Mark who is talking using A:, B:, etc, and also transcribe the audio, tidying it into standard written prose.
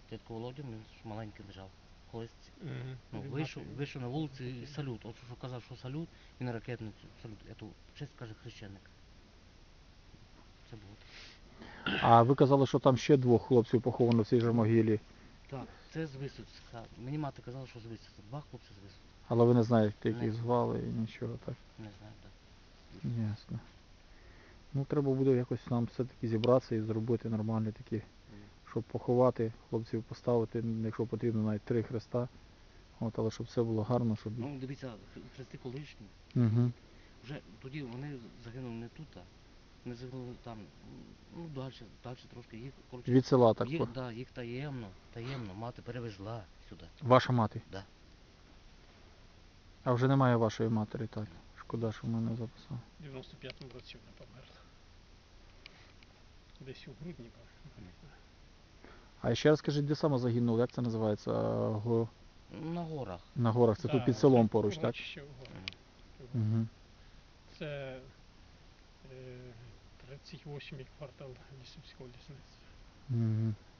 A: Дядько Володя, він ж маленький лежав. Колись
B: Він
A: вийшов на вулицю і салют. От що казав, що салют, він ракетницю, салют. Ету честь каже хрещеник. Це було.
C: А ви казали, що там ще 2 хлопців поховано в цій же могилі.
A: Так, це з Висоцька. Мені мати казала, що з Висоцька. 2 хлопці з Висоцька.
C: Але ви не знаєте, як
A: Не
C: їх
A: знаю.
C: звали і нічого так.
A: Не знаю, так.
C: Ясно. Ну треба буде якось нам все-таки зібратися і зробити нормальні такі, щоб поховати хлопців, поставити, якщо потрібно, навіть 3 хреста. От, але щоб все було гарно, щоб.
A: Ну, дивіться, хрести колишні.
C: Угу.
A: Вже тоді вони загинули не тут, а вони загинули там, ну, далі трошки. Їх, коротше,
C: Від села так.
A: їх таємно, мати перевезла сюди.
C: Ваша мати?
A: Да.
C: А вже немає вашої матері, так. Шкода, що мене не записав.
B: В 95-му році вона померла. Десь у грудні була.
C: А ще раз скажіть, де саме загинули, як це називається?
A: На горах.
C: На горах, це тут під селом поруч, так?
B: Урочище в горах.
C: Угу.
B: Це 38-й квартал Лісівського лісництва.
C: Угу.